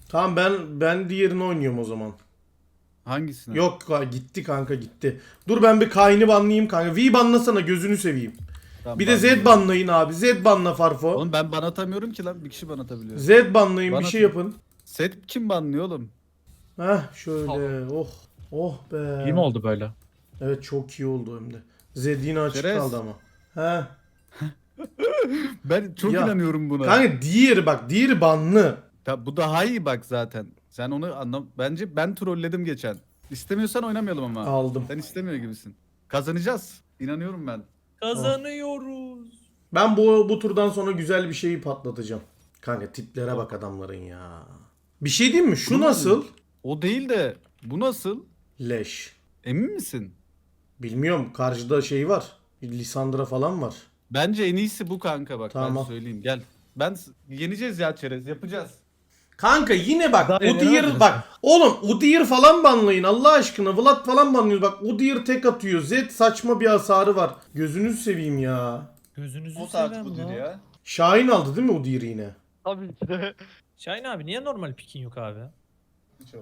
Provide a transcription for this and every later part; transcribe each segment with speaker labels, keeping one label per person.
Speaker 1: Tamam ben diğerini oynuyorum o zaman.
Speaker 2: Hangisini?
Speaker 1: Yok gitti kanka gitti. Dur ben bir Kayn'i banlayayım kanka. V banlasana gözünü seveyim.
Speaker 2: Tamam,
Speaker 1: Bir de Z
Speaker 2: banlıyorum.
Speaker 1: banlayın abi. Z banla Farfo.
Speaker 2: Oğlum ben ban atamıyorum ki lan. Bir kişi ban atabiliyor.
Speaker 1: Z banlayın
Speaker 2: Ban
Speaker 1: bir şey
Speaker 2: atın.
Speaker 1: yapın.
Speaker 2: Set kim banlıyor oğlum?
Speaker 1: Heh şöyle. Oh. Oh be.
Speaker 3: İyi mi oldu böyle?
Speaker 1: Evet çok iyi oldu hem de. Z yine açık
Speaker 2: Şerez.
Speaker 1: kaldı ama. Heh.
Speaker 2: Ben çok
Speaker 1: Ya,
Speaker 2: inanıyorum buna.
Speaker 1: Kanka diğeri bak. Diğeri banlı.
Speaker 2: Bu daha iyi bak zaten. Sen onu anlam. Bence ben trolledim geçen. İstemiyorsan oynamayalım ama.
Speaker 1: Aldım.
Speaker 2: Sen istemiyor gibisin. Kazanacağız. İnanıyorum ben.
Speaker 4: Kazanıyoruz.
Speaker 1: Ben bu turdan sonra güzel bir şeyi patlatacağım. Kanka tiplere bak adamların ya. Bir şey diyeyim mi? Şu
Speaker 2: Bunu
Speaker 1: nasıl?
Speaker 2: O değil de bu nasıl?
Speaker 1: Leş.
Speaker 2: Emin misin?
Speaker 1: Bilmiyorum. Karşıda şey var. Lisandra falan var.
Speaker 2: Bence en iyisi bu kanka bak ben
Speaker 1: Tamam.
Speaker 2: söyleyeyim gel. Yeneceğiz ya çerez yapacağız.
Speaker 1: Kanka yine bak
Speaker 3: Daha
Speaker 1: Udyr
Speaker 3: yenemez
Speaker 1: bak oğlum Udyr falan banlayın Allah aşkına Vlad falan banlıyor bak Udyr tek atıyor Z saçma bir hasarı var gözünüzü seveyim ya.
Speaker 4: Gözünüzü
Speaker 5: O saat
Speaker 4: seveyim
Speaker 5: budur
Speaker 4: lan.
Speaker 5: ya.
Speaker 1: Şahin aldı değil mi Udyr'i yine?
Speaker 5: Tabii ki de.
Speaker 4: Şahin abi niye normal pikin yok abi?
Speaker 5: Çok.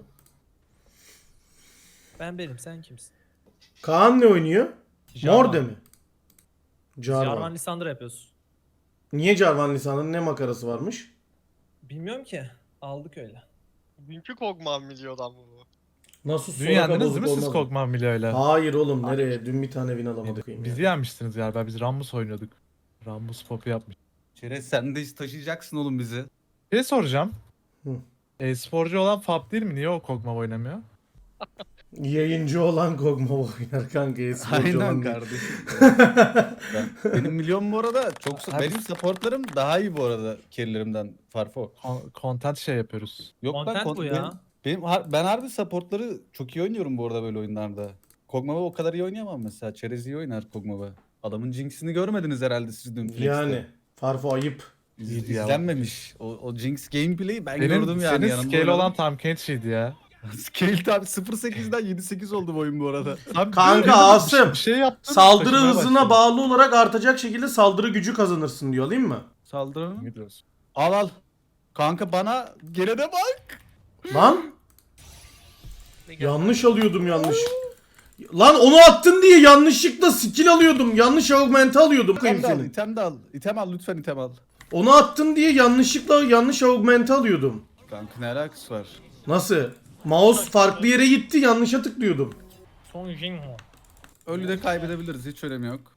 Speaker 4: Ben benim sen kimsin?
Speaker 1: Kaan ne oynuyor? Morde mi? Jarvan.
Speaker 4: Jarvan Lissandra yapıyoruz.
Speaker 1: Niye Jarvan Lisandra'nın ne makarası varmış?
Speaker 4: Bilmiyorum ki. Aldık öyle.
Speaker 5: Dünkü Kog'Maw milyodan bu.
Speaker 1: Nasıl
Speaker 3: Dün
Speaker 1: Soraka
Speaker 3: yendiniz
Speaker 1: bozuk
Speaker 3: değil mi siz
Speaker 1: olmaz mı?
Speaker 3: Kog'Maw öyle?
Speaker 1: Hayır oğlum nereye? Dün bir tane win alamadık.
Speaker 3: Bizi yenmiştiniz galiba. Biz Rammus oynuyorduk. Rammus popu yapmış.
Speaker 2: Çerez sen de taşıyacaksın oğlum bizi.
Speaker 3: Bir şey soracağım.
Speaker 1: Hı.
Speaker 3: E-sporcu olan Fab değil mi? Niye o Kog'Maw oynamıyor?
Speaker 1: Yayıncı olan Kog'Maw oynar kanka. Esporcu olan
Speaker 2: Aynen
Speaker 1: değil.
Speaker 2: kardeşim. Benim milyon bu arada çok
Speaker 3: Abi-
Speaker 2: benim supportlarım daha iyi bu arada carry'lerimden Farfo.
Speaker 3: Content şey yapıyoruz.
Speaker 2: Yok
Speaker 4: Content bu ya.
Speaker 2: Ben harbi supportları çok iyi oynuyorum bu arada böyle oyunlarda. Kog'Maw'ı o kadar iyi oynayamam mesela. Çerez iyi oynar Kog'Maw'ı. Adamın Jinx'ini görmediniz herhalde siz dün Flex'te.
Speaker 1: Yani. Farfo ayıp.
Speaker 3: İyiydi ya.
Speaker 2: İzlenmemiş. O Jinx gameplay'i ben gördüm
Speaker 3: Senin,
Speaker 2: yani.
Speaker 3: senin
Speaker 2: yanımda
Speaker 3: scale
Speaker 2: oynadım.
Speaker 3: olan Tahm Kench'iydi ya.
Speaker 2: Scale tabi 0.8'den 7.8 oldu bu oyun bu arada.
Speaker 3: Abi,
Speaker 1: Kanka
Speaker 3: bir
Speaker 1: Asım,
Speaker 3: şey yaptın.
Speaker 1: Saldırı
Speaker 3: taşımaya
Speaker 1: hızına
Speaker 3: başladın.
Speaker 1: bağlı olarak artacak şekilde saldırı gücü kazanırsın diyor değil mi?
Speaker 2: Saldırı.
Speaker 3: Gidiyoruz.
Speaker 2: Al. Kanka bana geride bak.
Speaker 1: Lan yanlış alıyordum yanlış. Lan onu attın diye yanlışlıkla skill alıyordum. Yanlış augment'i alıyordum. Koyayım
Speaker 2: İtem de al,
Speaker 1: senin.
Speaker 2: item de al. İtem al lütfen item al.
Speaker 1: Onu attın diye yanlışlıkla yanlış augment'i alıyordum.
Speaker 2: Kanka ne alakası var?
Speaker 1: Nasıl? Mouse farklı yere gitti yanlışa tıklıyordum.
Speaker 4: Son Jinho.
Speaker 2: Ölü de kaybedebiliriz hiç önemi yok.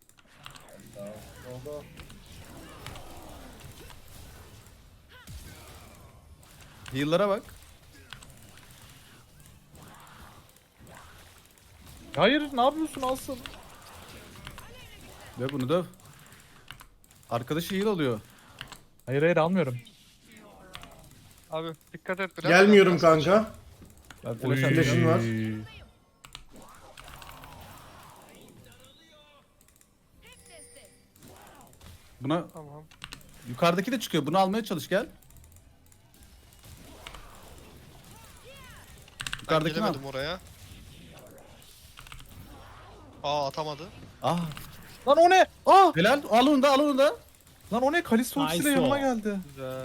Speaker 2: Heal'lara bak.
Speaker 3: Hayır ne yapıyorsun Asım?
Speaker 2: Döv bunu döv. Arkadaşı heal alıyor.
Speaker 3: Hayır almıyorum.
Speaker 5: Abi dikkat et biraz.
Speaker 1: Gelmiyorum
Speaker 5: biraz
Speaker 1: kanka.
Speaker 2: Ben
Speaker 3: Oy.
Speaker 2: flash
Speaker 1: Flash'ın
Speaker 2: atacağım.
Speaker 1: var.
Speaker 2: Buna
Speaker 5: Tamam.
Speaker 2: yukarıdaki de çıkıyor. Bunu almaya çalış gel.
Speaker 5: Ben
Speaker 2: Yukarıdakini al.
Speaker 5: gelemedim oraya. Aa atamadı.
Speaker 2: Ah.
Speaker 3: Lan o ne? Ah!
Speaker 2: Helal. Al onu da al onu da.
Speaker 3: Lan o ne? Kalisto ultisiyle
Speaker 4: Nice
Speaker 3: yanıma
Speaker 4: o.
Speaker 3: geldi.
Speaker 5: Güzel.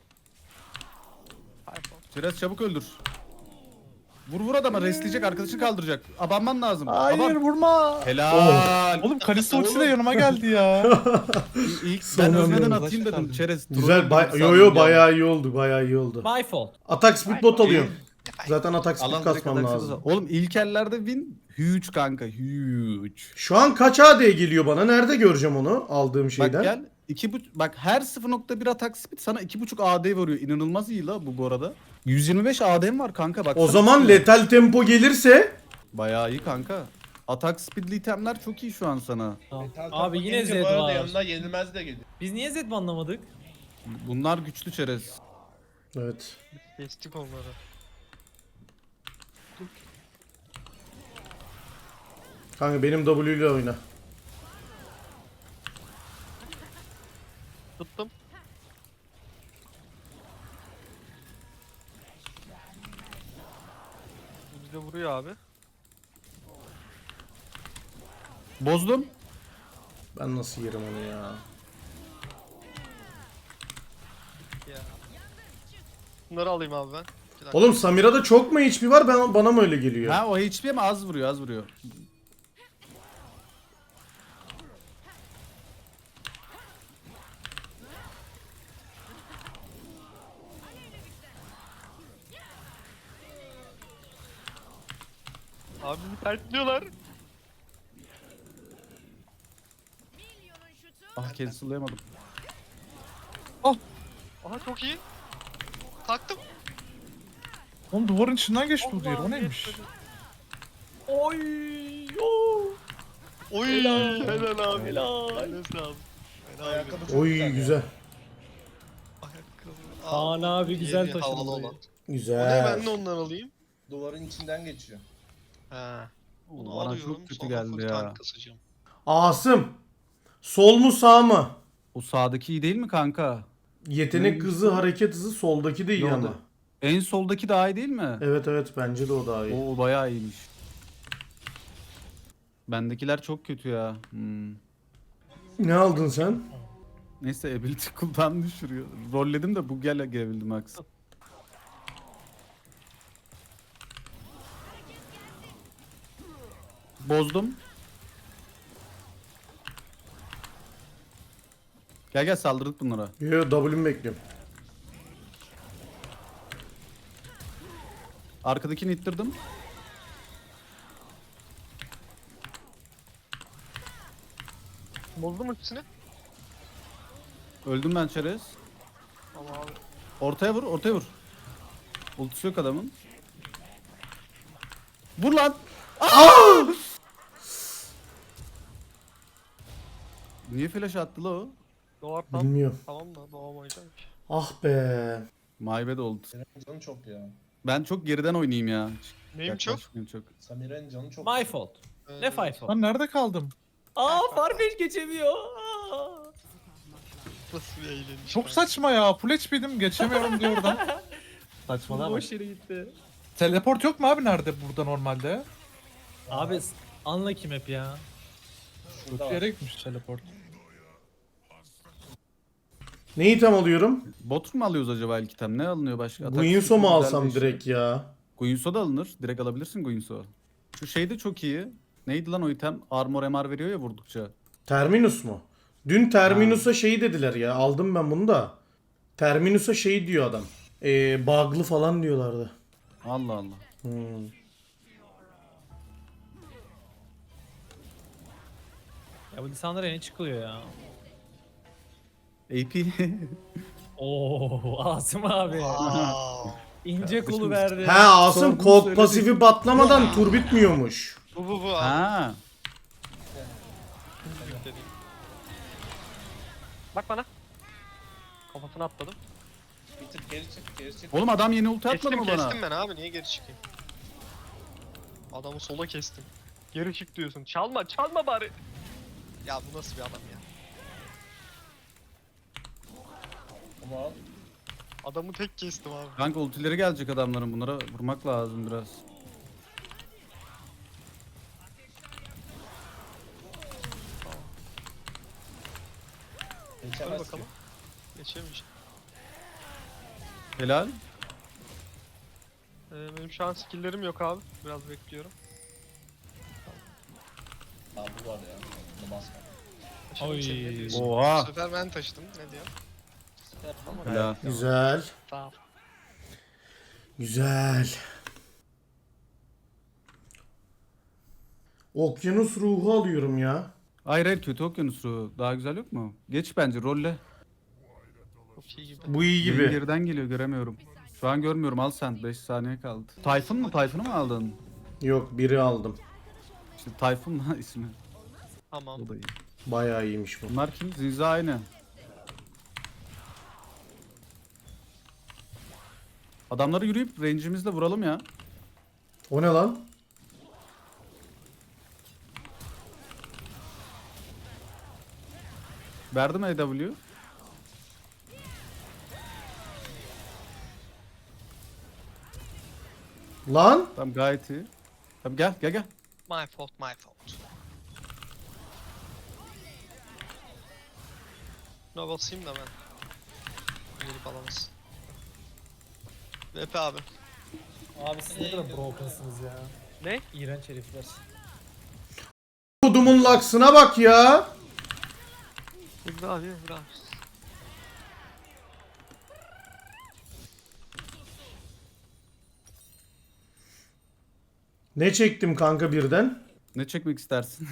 Speaker 2: Biraz çabuk öldür. Vur adama restleyecek arkadaşını kaldıracak. Abanman lazım.
Speaker 3: Hayır
Speaker 2: Aban.
Speaker 3: vurma.
Speaker 2: Helal.
Speaker 3: Oğlum Kalisto ultisiyle yanıma geldi ya.
Speaker 2: İlk
Speaker 1: Son
Speaker 2: ben
Speaker 1: anda
Speaker 2: ölmeden
Speaker 3: oldu.
Speaker 2: atayım dedim. Çerez.
Speaker 1: Güzel.
Speaker 2: troll
Speaker 1: Yo
Speaker 2: dedim,
Speaker 1: bayağı iyi oldu. Bayağı iyi oldu.
Speaker 4: My fault.
Speaker 1: Atak speed bot alıyorum. Zaten atak speed
Speaker 2: Alan direkt
Speaker 1: kasmam
Speaker 2: ataksız
Speaker 1: lazım.
Speaker 2: olsa- Oğlum ilk ellerde win huge kanka huge.
Speaker 1: Şu an kaç AD geliyor bana? Nerede göreceğim onu aldığım şeyden?
Speaker 2: Bak gel bak her 0.1 atak speed sana 2.5 AD veriyor. İnanılmaz iyi la bu arada. 125 AD'm var kanka bak.
Speaker 1: O zaman letal tempo gelirse
Speaker 2: Bayağı iyi kanka. Atak speedli itemler çok iyi şu an sana.
Speaker 4: Abi yine Zed
Speaker 6: Bu arada
Speaker 4: var.
Speaker 6: yanına yenilmez de geliyor.
Speaker 4: Biz niye Zed banlamadık?
Speaker 2: Bunlar güçlü çerez.
Speaker 1: evet.
Speaker 5: Geçtik onları.
Speaker 1: Kanka benim W ile oyna.
Speaker 5: Tuttum. Bu bize vuruyor abi.
Speaker 2: Bozdum.
Speaker 1: Ben nasıl yerim onu ya?
Speaker 5: Ya. Bunları alayım abi ben. Bir dakika.
Speaker 1: Oğlum Samira'da çok mu HP var? Bana mı öyle geliyor?
Speaker 2: Ha o HP mi az vuruyor az vuruyor.
Speaker 5: Abi bizi tertliyorlar.
Speaker 2: Ah cancel'layamadım.
Speaker 5: Aha çok iyi. Taktım.
Speaker 3: Oğlum duvarın içinden geçti o
Speaker 5: Allah,
Speaker 3: diğer. O neymiş?
Speaker 5: yetmedi.
Speaker 4: Oy. Oo.
Speaker 5: Oy
Speaker 4: Helal.
Speaker 5: helal abi.
Speaker 4: Helal.
Speaker 5: Helal abi. Helal
Speaker 6: Ayakkabı
Speaker 5: abi.
Speaker 6: çok
Speaker 1: Oy
Speaker 6: güzel.
Speaker 1: güzel.
Speaker 5: Ayakkabı.
Speaker 4: Kaan abi güzel
Speaker 5: yeni
Speaker 4: taşıdı
Speaker 5: havalı
Speaker 4: burayı.
Speaker 5: olan. O ne
Speaker 1: Güzel.
Speaker 5: ben de ondan alayım.
Speaker 6: Duvarın içinden geçiyor.
Speaker 5: He. Bunu
Speaker 2: Bana
Speaker 5: alıyorum.
Speaker 2: çok kötü
Speaker 5: Sonra
Speaker 2: geldi
Speaker 5: full
Speaker 2: ya.
Speaker 5: tank kasacağım.
Speaker 1: Asım. Sol mu sağ mı?
Speaker 2: O sağdaki iyi değil mi kanka?
Speaker 1: Yetenek
Speaker 2: Neymiş
Speaker 1: hızı,
Speaker 2: o?
Speaker 1: hareket hızı soldaki de iyi
Speaker 2: Yok,
Speaker 1: ama.
Speaker 2: o da. En soldaki daha iyi değil mi?
Speaker 1: Evet evet bence de o daha iyi.
Speaker 2: O bayağı iyiymiş. Bendekiler çok kötü ya.
Speaker 1: Ne aldın sen?
Speaker 2: Neyse ability cooldown düşürüyor. Rolledim de bu gelebildim Max. Bozdum. Gel gel saldırdık bunlara.
Speaker 1: Yo W'mi bekliyorum.
Speaker 2: Arkadakini ittirdim.
Speaker 5: Bozdum ikisini.
Speaker 2: Öldüm ben çerez.
Speaker 5: Ama abi.
Speaker 2: Ortaya vur, ortaya vur. Ultisi yok adamın. Vur lan! Niye flash attı la o?
Speaker 5: Doğar tam.
Speaker 1: Bilmiyorum.
Speaker 5: Tamam da doğamayacağım ki.
Speaker 1: Ah be.
Speaker 2: My bad oldu.
Speaker 6: Samire'nin canı çok ya.
Speaker 2: Ben çok geriden oynayayım ya.
Speaker 5: Neyim çok?
Speaker 2: Yaklaşmayayım çok.
Speaker 6: Samire'nin canı çok.
Speaker 4: My fault. Ne five fault?
Speaker 3: Lan nerede kaldım?
Speaker 4: Aa Farfetch geçemiyor. Aa.
Speaker 5: Nasıl bir eğleniş.
Speaker 3: Çok
Speaker 5: kanka.
Speaker 3: saçma ya. Full HP'dim geçemiyorum diyor oradan. Saçmalama.
Speaker 4: Boş yere gitti.
Speaker 3: Teleport yok mu abi nerede burada normalde?
Speaker 4: Abi unlucky map ya.
Speaker 3: Kötü
Speaker 6: Şurada var.
Speaker 3: yere gitmiş teleport.
Speaker 1: Ne item alıyorum?
Speaker 2: Bot mu alıyoruz acaba ilk item? Ne alınıyor başka? Atak
Speaker 1: Guinsoo mu
Speaker 2: güzel
Speaker 1: alsam
Speaker 2: değişiyor.
Speaker 1: direkt ya?
Speaker 2: Guinsoo da alınır. Direkt alabilirsin Guinsoo. Şu şey de çok iyi. Neydi lan o item? Armor MR veriyor ya vurdukça.
Speaker 1: Terminus mu? Dün Terminus'a şey dediler ya. Aldım ben bunu da. Terminus'a şey diyor adam. Bug'lı falan diyorlardı.
Speaker 2: Allah Allah.
Speaker 1: Hmm.
Speaker 4: Ya bu lisanlara yeni çıkılıyor ya.
Speaker 2: AP.
Speaker 4: Oo Asım abi.
Speaker 5: Aa.
Speaker 4: İnce kolu verdi.
Speaker 1: He Asım
Speaker 2: Sorduğunu
Speaker 1: kok
Speaker 2: söyledik.
Speaker 1: pasifi batlamadan tur bitmiyormuş.
Speaker 5: Bu abi.
Speaker 2: Ha.
Speaker 5: Yükledim. Bak bana. Kafasına atladım.
Speaker 6: Bir tık geri çık, geri çık.
Speaker 2: Oğlum adam yeni ulti atmadı
Speaker 5: Kestim
Speaker 2: mı bana?
Speaker 5: kestim ben abi niye geri çıkayım? Adamı sola kestim. Geri çık diyorsun. Çalma çalma bari. Ya bu nasıl bir adam ya?
Speaker 6: Ama al.
Speaker 5: Adamı tek kestim abi.
Speaker 2: Kanka ultileri gelecek adamların, bunlara vurmak lazım biraz.
Speaker 5: Hadi
Speaker 6: Geçemez
Speaker 5: bakalım. Geçemeyeceğim.
Speaker 2: Helal.
Speaker 5: Benim şu an skill'lerim yok abi. Biraz bekliyorum.
Speaker 6: Aa bu var ya. Bunu basma.
Speaker 5: Taşıdım
Speaker 4: Oy.
Speaker 5: seni, ne diyorsun?
Speaker 2: Oha.
Speaker 5: Bu sefer ben taşıdım. Ne diyor?
Speaker 2: Helal.
Speaker 1: Güzel.
Speaker 5: Tamam.
Speaker 1: Güzel. Okyanus ruhu alıyorum ya.
Speaker 2: Hayır hayır, kötü okyanus ruhu. Daha güzel yok mu? Geç bence rolle.
Speaker 5: Çok iyi gibi.
Speaker 1: Bu iyi
Speaker 2: Benim
Speaker 1: gibi.
Speaker 2: geriden geliyor, göremiyorum. Şu an görmüyorum, al sen, 5 saniye kaldı. Tayfun mu? Tayfun'u mu aldın?
Speaker 1: Yok biri aldım.
Speaker 2: İşte Tayfun mu ismi?
Speaker 5: Tamam.
Speaker 2: O da iyi.
Speaker 1: Bayağı iyiymiş bu.
Speaker 2: Bunlar kim? Zinza aynı. Adamları yürüyüp range'imizle vuralım ya.
Speaker 1: O ne lan?
Speaker 2: Verdim AW.
Speaker 1: Lan?
Speaker 2: Tamam, gayet iyi. Tamam, gel gel gel.
Speaker 5: My fault, my fault. Buna basayım da ben. Gelip alamaz. Epe abi.
Speaker 4: Abi siz ne kadar brokensınız ya.
Speaker 5: Ne?
Speaker 4: İğrenç herifler.
Speaker 1: Kodumun laksına bak ya.
Speaker 5: Emre abi Emre abi.
Speaker 1: Ne çektim kanka birden?
Speaker 2: Ne çekmek istersin?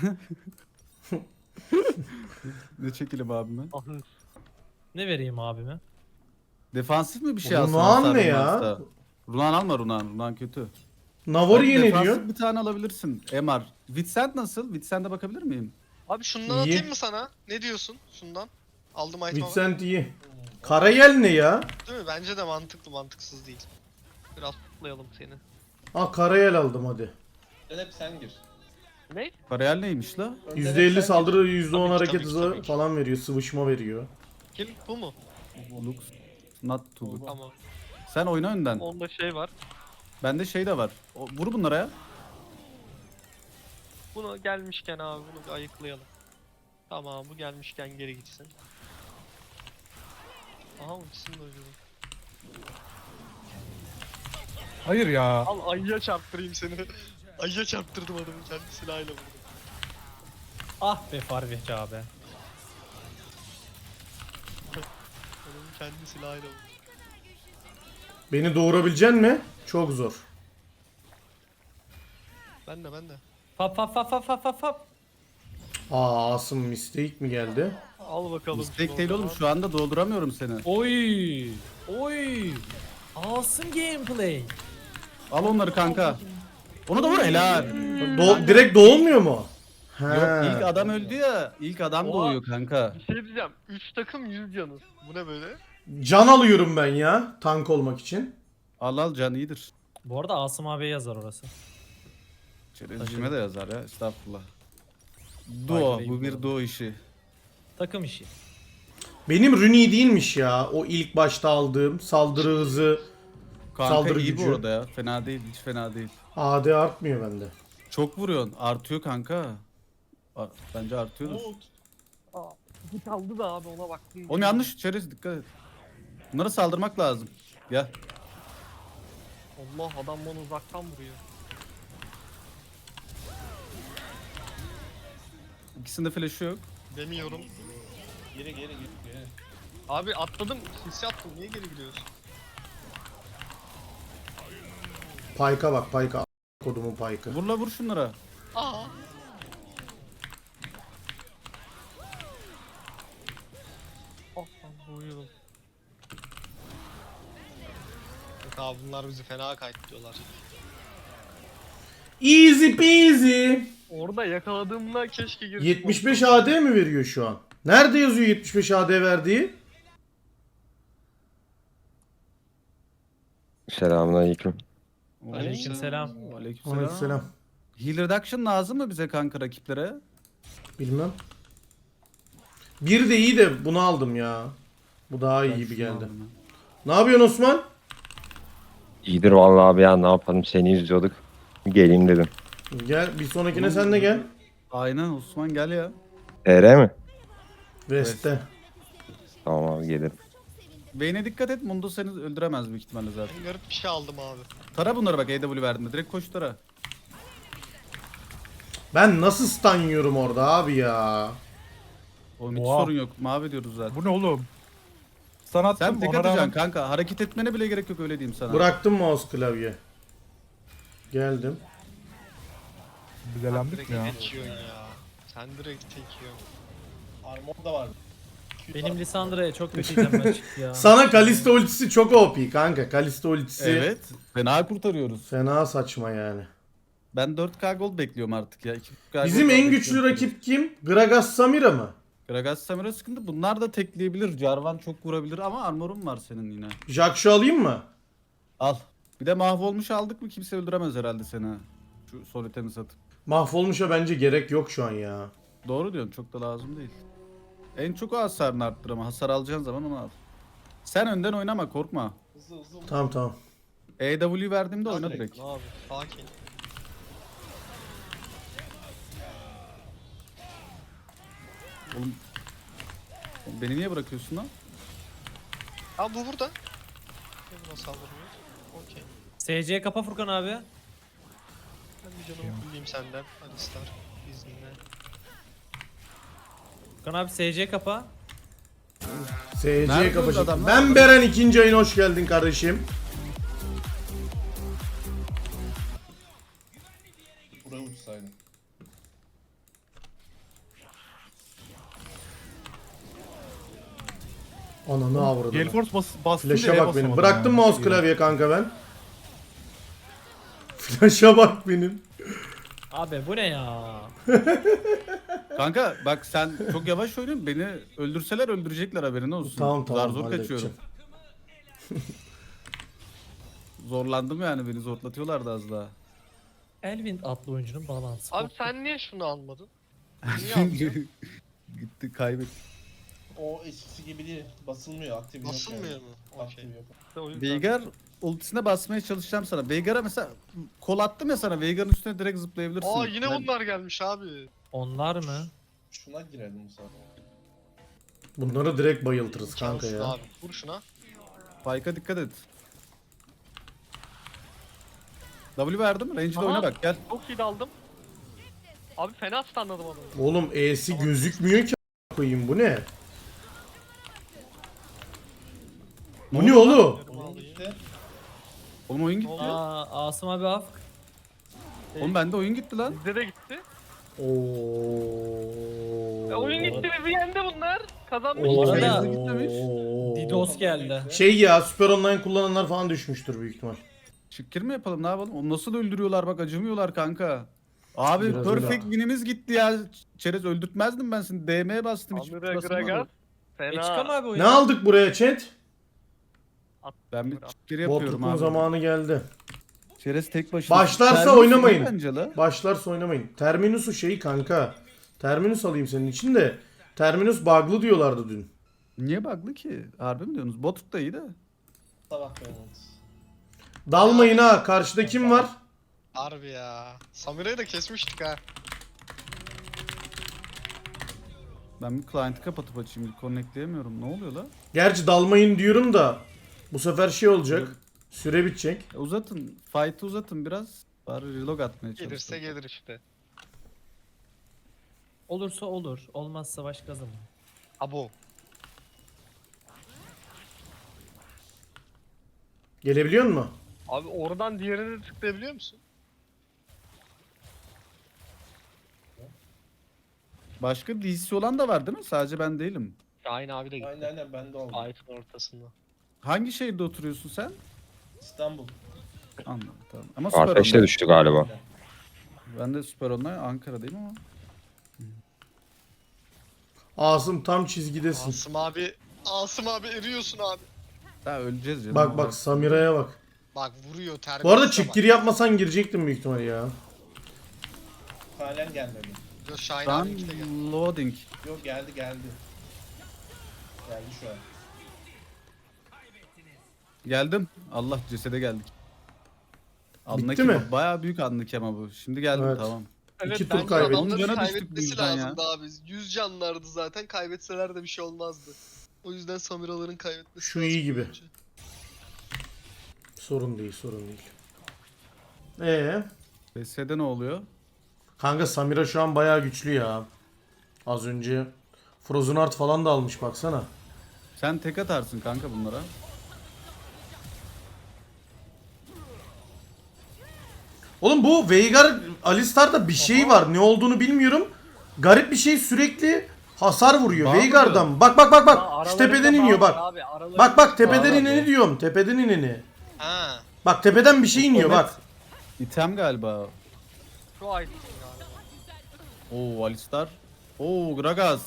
Speaker 2: Ne çekelim abime?
Speaker 4: Ne vereyim abime?
Speaker 2: Defansif mi bir şey
Speaker 1: Runan
Speaker 2: alsın? hasar
Speaker 1: ne ya?
Speaker 2: olmazsa? Runan alma Runan. Runan kötü.
Speaker 1: Navori'ye ne
Speaker 2: Defansif
Speaker 1: diyor?
Speaker 2: bir tane alabilirsin. MR. Vincent nasıl? Vincent'e bakabilir miyim?
Speaker 5: Abi şundan
Speaker 1: İyi.
Speaker 5: atayım mı sana? Ne diyorsun? Şundan. Aldım item'ı.
Speaker 1: Vincent iyi. Karayel ne ya?
Speaker 5: Değil mi? Bence de mantıklı, mantıksız değil. Biraz tutlayalım seni.
Speaker 1: Ha Karayel aldım hadi.
Speaker 6: Hep sen gir.
Speaker 5: Ne?
Speaker 2: Karayel neymiş la?
Speaker 6: Önden hep
Speaker 1: %50
Speaker 6: sen
Speaker 1: saldırı,
Speaker 6: gir.
Speaker 1: %10
Speaker 5: Tabii ki,
Speaker 1: hareket
Speaker 5: tabii ki,
Speaker 1: hızı
Speaker 5: tabii ki.
Speaker 1: falan veriyor. Sıvışma veriyor.
Speaker 5: Kill bu mu?
Speaker 2: Lux. Not too good.
Speaker 5: Tamam.
Speaker 2: Sen oyna önden.
Speaker 5: Onda şey var.
Speaker 2: Bende şey de var. Vur bunlara ya.
Speaker 5: Bunu gelmişken abi bunu bir ayıklayalım. Tamam bu gelmişken geri gitsin. Aha ultisini de öldürdüm.
Speaker 3: Hayır ya.
Speaker 5: Al ayıya çarptırayım seni. Ayıya çarptırdım adamı kendi silahıyla vurdum.
Speaker 4: Ah be Farveci abi.
Speaker 5: Adamı kendi silahıyla vurdum.
Speaker 1: Beni doğurabilecek mi? Çok zor.
Speaker 5: Ben de.
Speaker 4: Fap fap fap fap fap fap fap.
Speaker 1: Asım mistake mi geldi?
Speaker 5: Al bakalım.
Speaker 2: Mistake
Speaker 5: şunu
Speaker 2: değil
Speaker 5: o
Speaker 2: oğlum
Speaker 5: zaman.
Speaker 2: şu anda dolduramıyorum seni.
Speaker 4: Oy. Oy. Awesome gameplay.
Speaker 2: Al onları kanka. Onu da vur helal.
Speaker 1: Direkt doğulmuyor mu? He.
Speaker 2: Yok ilk adam öldü ya. İlk adam
Speaker 5: Oha.
Speaker 2: doğuyor kanka.
Speaker 5: Bir şey diyeceğim. 3 takım 100 canı. Bu ne böyle?
Speaker 1: Can alıyorum ben ya tank olmak için.
Speaker 2: Al can iyidir.
Speaker 4: Bu arada Asım abiye yazar orası.
Speaker 2: Çerezcime de yazar ya estağfurullah. Duo bu bir duo işi.
Speaker 4: Takım işi.
Speaker 1: Benim Runi değilmiş ya. O ilk başta aldığım saldırı hızı,
Speaker 2: Kanka
Speaker 1: saldırı
Speaker 2: iyi
Speaker 1: gücü.
Speaker 2: bu arada ya. Fena değil hiç fena değil.
Speaker 1: AD artmıyor bende.
Speaker 2: Çok vuruyorsun. Artıyor kanka. Bence artıyordur.
Speaker 5: Git aldı da abi ona baktım.
Speaker 2: Oğlum yanlış çerez dikkat et. Bunlara saldırmak lazım. Gel.
Speaker 5: Allah adam bana uzaktan vuruyor.
Speaker 2: İkisinde flash'ı yok.
Speaker 5: Demiyorum.
Speaker 6: Geri.
Speaker 5: Abi atladım. Hissi attım. Niye geri gidiyorsun?
Speaker 1: Payka bak Payka. Kodumun Payka.
Speaker 2: Vur şunlara.
Speaker 5: Aa. Oh lan uyuyordum. Yok abi bunlar bizi fena kayıtlıyorlar.
Speaker 1: Easy peasy.
Speaker 5: Orada yakaladığımda keşke girip
Speaker 1: 75 AD mi veriyor şu an? Nerede yazıyor 75 AD verdiği?
Speaker 7: Selamünaleyküm.
Speaker 4: Aleykümselam.
Speaker 2: Aleykümselam.
Speaker 1: Aleykümselam.
Speaker 2: Heal reduction lazım mı bize kanka rakiplere?
Speaker 1: Bilmem. Bir de iyi de bunu aldım ya. Bu daha iyi
Speaker 2: Ben
Speaker 1: gibi
Speaker 2: şunu
Speaker 1: geldi.
Speaker 2: aldım ya.
Speaker 1: Ne yapıyorsun Osman?
Speaker 7: İyidir vallahi abi ya ne yapalım seni izliyorduk. Geleyim dedim.
Speaker 1: Gel bir sonrakine sen de gel.
Speaker 2: Aynen Osman gel ya.
Speaker 7: TR mi?
Speaker 1: West'te.
Speaker 7: Tamam abi gelirim.
Speaker 2: Vayne'e dikkat et Mundo seni öldüremez büyük ihtimalle zaten.
Speaker 5: Ben garip bir şey aldım abi.
Speaker 2: Tara bunları bak AW verdiğinde direkt koş tara.
Speaker 1: Ben nasıl stun yiyorum orada abi ya?
Speaker 2: Oğlum hiç
Speaker 3: Oha.
Speaker 2: sorun yok mavi diyoruz zaten.
Speaker 3: Bu ne oğlum? Sana attım.
Speaker 2: Sen tek
Speaker 3: ona
Speaker 2: atacaksın
Speaker 3: rağmen-
Speaker 2: kanka hareket etmene bile gerek yok öyle diyeyim sana.
Speaker 1: Bıraktım mouse klavye. Geldim.
Speaker 3: Biz
Speaker 5: Direkt
Speaker 3: elendik mi ya?
Speaker 5: tek yiyorsun ya. Sen direkt tek yiyorsun.
Speaker 6: Armor da var.
Speaker 4: Benim Lissandra'ya çok kötü itemler çıktı ya.
Speaker 1: Sana Kalista ultisi çok OP kanka. Kalista ultisi
Speaker 2: Evet. Fena kurtarıyoruz.
Speaker 1: fena saçma yani.
Speaker 2: Ben 4K gold bekliyorum artık ya. 2K
Speaker 1: Bizim
Speaker 2: gold
Speaker 1: en güçlü
Speaker 2: bekliyorum.
Speaker 1: rakip kim? Gragas Samira mı?
Speaker 2: Gragas Samira sıkıntı. Bunlar da tekleyebilir. Jarvan çok vurabilir ama armorun var senin yine.
Speaker 1: Jax'u alayım mı?
Speaker 2: Al. Bir de mahvolmuş aldık mı kimse öldüremez herhalde seni. ha. Şu sol itemi satıp.
Speaker 1: Mahvolmuşa bence gerek yok şu an ya.
Speaker 2: Doğru diyorsun çok da lazım değil. En çok o hasarını arttır ama hasar alacağın zaman onu al. Sen önden oynama korkma.
Speaker 6: Hızlı.
Speaker 1: Tamam.
Speaker 2: EW verdiğimde oyna direkt.
Speaker 5: Ne abi? Sakin.
Speaker 2: Oğlum beni niye bırakıyorsun lan?
Speaker 5: Abi bu burada. Ne buna saldırıyor? O
Speaker 4: SC kapa Furkan abi.
Speaker 5: Ben bir canımı fulleyim senden. Hadi Star. İzninle.
Speaker 4: Furkan abi SC kapa.
Speaker 1: SC
Speaker 2: Nerede
Speaker 1: kapışık.
Speaker 2: adamlar?
Speaker 1: Ben Beren, ikinci ayına hoş geldin kardeşim.
Speaker 6: Buraya uçsaydın.
Speaker 1: Ananı avradım.
Speaker 3: Gale Force bastım
Speaker 1: Flash'a
Speaker 3: diye
Speaker 1: bak benim.
Speaker 3: basamadım
Speaker 1: Bıraktım
Speaker 3: ya.
Speaker 1: mouse klavye kanka ben. Flash'a bak benim.
Speaker 4: Abi bu ne ya?
Speaker 2: Kanka bak sen çok yavaş oynuyorsun. Beni öldürseler öldürecekler, haberin olsun.
Speaker 1: Tamam,
Speaker 2: Zar zor
Speaker 1: halledeceğim.
Speaker 2: kaçıyorum. Zorlandım yani, beni zorlatıyorlardı az daha.
Speaker 4: Elvin adlı oyuncunun balansı.
Speaker 5: Abi sen niye şunu almadın? Niye almadın?
Speaker 2: Gitti kaybet.
Speaker 6: O eskisi gibi değil. Basılmıyor. Aktif yok.
Speaker 5: Basılmıyor
Speaker 6: yani.
Speaker 5: mu?
Speaker 6: Aktif
Speaker 5: Okey.
Speaker 6: yok.
Speaker 5: O yüzden-
Speaker 2: Veigar ultisine basmaya çalışacağım sana. Veigar'a mesela kol attım ya sana. Veigar'ın üstüne direkt zıplayabilirsin.
Speaker 5: Aa yine
Speaker 2: Ben-
Speaker 5: bunlar gelmiş abi.
Speaker 4: Onlar mı?
Speaker 6: Şuna girelim bu sefer.
Speaker 1: Bunları direkt bayıltırız kanka
Speaker 5: Cansın
Speaker 1: ya.
Speaker 5: abi. Vur şuna.
Speaker 2: Spike'a dikkat et. W verdim. Range'de
Speaker 5: Aha.
Speaker 2: oyna bak, gel.
Speaker 5: Çok iyi daldım. Abi fena stunladım adamı.
Speaker 1: Oğlum E'si gözükmüyor ki a- koyayım, bu ne? Bu ne oğlum?
Speaker 6: Oyun gitti.
Speaker 2: Oğlum oyun gitti.
Speaker 4: Aa Asım abi af.
Speaker 2: Oğlum bende oyun gitti lan.
Speaker 5: Bizde de gitti.
Speaker 1: Oo.
Speaker 5: Oyun gitti ve yendi bunlar. Kazanmış.
Speaker 4: Bu arada-
Speaker 2: İçerisi gitmemiş.
Speaker 4: Didos geldi.
Speaker 1: Şey ya, Süper Online kullananlar falan düşmüştür büyük ihtimal.
Speaker 2: Şıkkır mı yapalım, ne yapalım? Onu nasıl öldürüyorlar bak, acımıyorlar kanka. Abi
Speaker 1: Biraz
Speaker 2: perfect
Speaker 1: öyle.
Speaker 2: win'imiz gitti ya. Çerez öldürtmezdim ben seni. DM'ye bastım hiç.
Speaker 5: Amira
Speaker 2: basılmadı.
Speaker 5: Gragas.
Speaker 4: Çıkam
Speaker 5: Fena.
Speaker 4: abi
Speaker 1: Ne
Speaker 4: oyunu.
Speaker 1: aldık buraya chat?
Speaker 2: Ben bir şıkkır yapıyorum
Speaker 1: Botlukun
Speaker 2: abi.
Speaker 1: zamanı geldi.
Speaker 2: Çerez tek başına.
Speaker 1: Başlarsa
Speaker 2: Servis
Speaker 1: oynamayın.
Speaker 2: iyi bence la.
Speaker 1: Başlarsa oynamayın. Terminus'u şeyi kanka. Terminus alayım senin için de. Terminus bug'lı diyorlardı dün.
Speaker 2: Niye bug'lı ki? Harbi mi diyorsunuz? Botluk da iyi de.
Speaker 6: Sabah beğeniriz.
Speaker 1: Dalmayın ha. Karşıda kim var?
Speaker 5: Harbi ya. Samira'yı da kesmiştik ha.
Speaker 2: Ben bir client'ı kapatıp açayım. Bir connectleyemiyorum. Ne oluyor la?
Speaker 1: Gerçi dalmayın diyorum da bu sefer şey olacak. Süre bitecek.
Speaker 2: Uzatın. Fight'ı uzatın biraz. Bari relog atmaya
Speaker 5: Gelirse
Speaker 2: çalışın.
Speaker 5: gelir işte.
Speaker 4: Olursa olur. Olmazsa başka zaman.
Speaker 5: Abo.
Speaker 1: Gelebiliyor musun?
Speaker 5: Abi oradan diğerini de tıklayabiliyor musun?
Speaker 2: Başka DC olan da var değil mi? Sadece ben değilim.
Speaker 5: Şahin abi de gitti.
Speaker 6: Aynen bende oldu.
Speaker 5: Fight'ın ortasında.
Speaker 2: Hangi şehirde oturuyorsun sen?
Speaker 6: İstanbul.
Speaker 2: Anladım, tamam. Ama süper
Speaker 7: Farfetch'te
Speaker 2: online.
Speaker 7: düştü galiba.
Speaker 2: Ben de süper online Ankara'dayım ama.
Speaker 1: Asım tam çizgidesin.
Speaker 5: Asım abi eriyorsun abi.
Speaker 2: Daha öleceğiz canım.
Speaker 1: Bak bak Samira'ya bak.
Speaker 5: Bak vuruyor terbiyesiz.
Speaker 1: Bu arada çift giri yapmasan girecektim büyük ihtimal ya.
Speaker 6: Halen gelmedi.
Speaker 5: Yok Şahin
Speaker 2: Şu an
Speaker 5: abi de geldi.
Speaker 2: loading.
Speaker 6: Yok geldi. Geldi şu an.
Speaker 2: Geldim. Allah, cesede geldik. Anlık
Speaker 1: Bitti mi?
Speaker 2: Bayağı büyük anlık ama bu. Şimdi geldim,
Speaker 1: Evet.
Speaker 2: tamam.
Speaker 1: İki tur
Speaker 5: bence
Speaker 1: kaybettik.
Speaker 5: adamların
Speaker 2: Cana düştük bu
Speaker 5: kaybetmesi
Speaker 2: yüzden ya.
Speaker 5: lazımdı abi. 100 canlardı zaten. Kaybetseler de bir şey olmazdı. O yüzden Samiraların kaybetmesi
Speaker 1: Şu
Speaker 5: lazım
Speaker 1: iyi gibi.
Speaker 5: bence.
Speaker 1: Sorun değil, sorun değil.
Speaker 2: BS'de ne oluyor?
Speaker 1: Kanka Samira şu an bayağı güçlü ya. Az önce Frozen Heart falan da almış baksana.
Speaker 2: Sen tek atarsın kanka bunlara.
Speaker 1: Oğlum bu Veigar Alistar'da bir şey var. Ne olduğunu bilmiyorum. Garip bir şey, sürekli hasar vuruyor.
Speaker 2: Bağ
Speaker 1: Veigar'dan. Bak bak bak bak. Şu
Speaker 5: Aralarında
Speaker 1: tepeden
Speaker 5: bağ
Speaker 1: iniyor
Speaker 5: var
Speaker 1: bak.
Speaker 5: abi, aralarında-
Speaker 1: Bak bak tepeden
Speaker 2: Bağ var
Speaker 1: ineni
Speaker 2: bu.
Speaker 1: diyorum. Tepeden ineni.
Speaker 5: Ha.
Speaker 1: Bak tepeden bir şey iniyor bak.
Speaker 2: İtem galiba.
Speaker 5: Şu item galiba.
Speaker 2: Oo Alistar. Oo Gragas.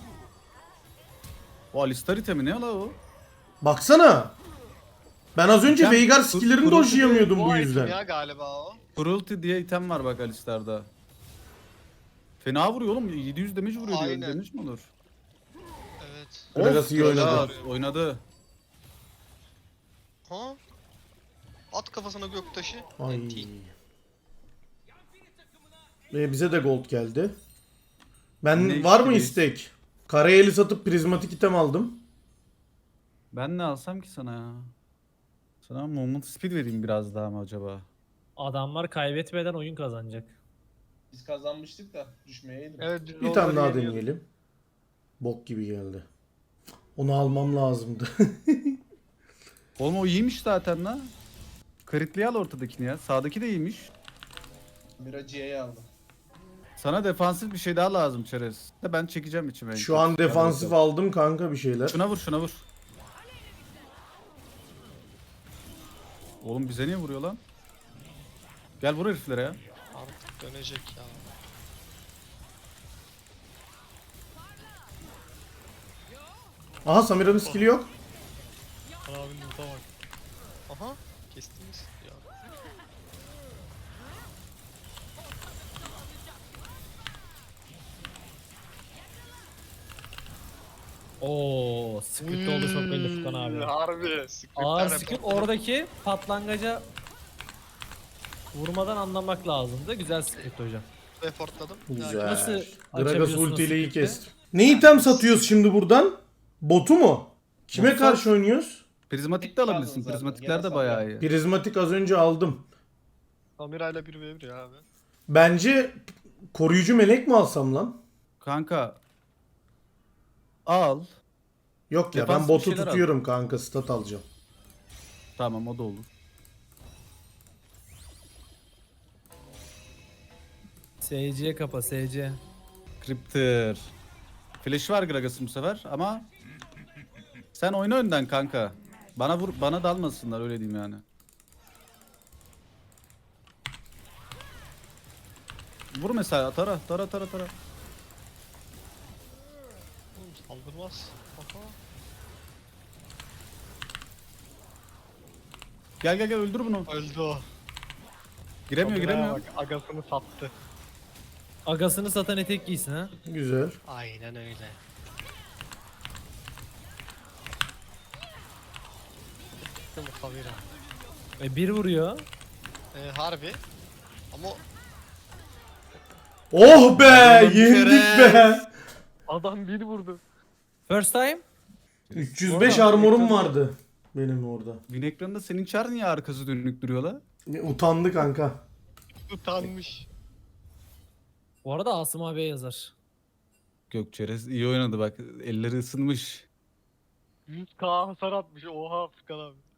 Speaker 2: O Alistar itemi ne la o?
Speaker 1: Baksana. Ben az önce
Speaker 2: İtem-
Speaker 1: Veigar skill'lerini
Speaker 2: Kurultu-
Speaker 1: dojlayamıyordum bu
Speaker 5: item
Speaker 1: yüzden.
Speaker 5: ya galiba o.
Speaker 2: Cruelty diye item var bak Alistar'da. Fena vuruyor oğlum. 700 damage vuruyor diyor.
Speaker 5: Aynen.
Speaker 2: Damage mi olur?
Speaker 5: Evet.
Speaker 1: Gragas iyi oynadı.
Speaker 2: Gragas oynadı.
Speaker 5: Ha? At kafasına göktaşı.
Speaker 1: Ay.
Speaker 5: NT.
Speaker 1: Bize de gold geldi.
Speaker 2: Ne
Speaker 1: Ben var mı
Speaker 2: isteyiz?
Speaker 1: istek? Karayeli satıp prizmatik item aldım.
Speaker 2: Ben ne alsam ki sana ya? Sana moment speed vereyim biraz daha mı acaba?
Speaker 4: Adamlar kaybetmeden oyun kazanacak.
Speaker 6: Biz kazanmıştık da düşmeyeydim.
Speaker 5: Evet biz
Speaker 1: Bir tane
Speaker 5: onları
Speaker 1: daha
Speaker 5: yeniyorduk.
Speaker 1: deneyelim. Bok gibi geldi. Onu almam lazımdı.
Speaker 2: Oğlum o iyiymiş zaten la. Kritliği al ortadakini ya. Sağdaki de iyiymiş.
Speaker 6: Miraciye'yi aldı.
Speaker 2: Sana defansif bir şey daha lazım Çerez. De ben çekeceğim içime.
Speaker 1: Şu an defansif aldım kanka bir şeyler.
Speaker 2: Şuna vur şuna vur. Oğlum bize niye vuruyor lan? Gel vur heriflere ya.
Speaker 5: Artık dönecek ya.
Speaker 1: Aha Samira'nın skill'i yok.
Speaker 5: Abinin luta bak. Aha kestiniz ya.
Speaker 4: Oo, script oldu çok belli Furkan abi.
Speaker 5: Harbi. Scriptler
Speaker 4: Ağır
Speaker 5: hep-
Speaker 4: script oradaki patlangaca vurmadan anlamak lazımdı. Güzel script hocam.
Speaker 5: Reportladım.
Speaker 1: Güzel.
Speaker 4: Nasıl
Speaker 1: Gragas
Speaker 4: açabiliyorsunuz
Speaker 1: ultiyle iyi
Speaker 4: script'i?
Speaker 1: kestim. Ne item satıyoruz şimdi buradan? Botu mu? Kime
Speaker 2: Bot
Speaker 1: karşı
Speaker 2: sat.
Speaker 1: oynuyoruz?
Speaker 2: Prizmatik de alabilirsin.
Speaker 6: Lazım zaten.
Speaker 2: Prizmatikler de
Speaker 6: Gene
Speaker 2: bayağı iyi.
Speaker 1: Prizmatik az önce aldım.
Speaker 5: Samira'yla 1v1 ya abi.
Speaker 1: Bence koruyucu melek mi alsam lan?
Speaker 2: Kanka. Al.
Speaker 1: Yok ya ben
Speaker 2: Defansif bir
Speaker 1: botu
Speaker 2: şeyler al.
Speaker 1: tutuyorum kanka, stat alacağım.
Speaker 2: Tamam o da olur.
Speaker 4: SC kapa SC.
Speaker 2: Cryptor. Flash var Gragas'ın bu sefer ama sen oyna önden kanka. Bana vur, bana dalmasınlar öyle diyeyim yani. Vur mesela tara.
Speaker 5: Oğlum saldırmaz. Aha.
Speaker 2: Gel öldür bunu.
Speaker 5: Öldü o.
Speaker 2: Giremiyor
Speaker 5: Samira'ya
Speaker 2: giremiyor.
Speaker 5: Bak, agasını sattı.
Speaker 4: Agasını satan etek giysin ha.
Speaker 1: Güzel.
Speaker 5: Aynen öyle. Değil mi Samira?
Speaker 4: Bir vuruyor.
Speaker 5: Harbi. Ama
Speaker 1: Oh be,
Speaker 2: Oğlum
Speaker 1: yendik be.
Speaker 5: adam bir vurdu.
Speaker 4: First time.
Speaker 1: 305
Speaker 2: Orada
Speaker 1: armorum
Speaker 2: ekranı-
Speaker 1: vardı benim orada.
Speaker 2: Win ekranında senin çar niye arkası dönük duruyor la?
Speaker 1: Utandı kanka.
Speaker 5: Utanmış.
Speaker 4: Bu arada Asım abiye yazar.
Speaker 2: Gökçerez iyi oynadı bak. Elleri ısınmış.
Speaker 5: 100k hasar atmış. Oha Furkan abi.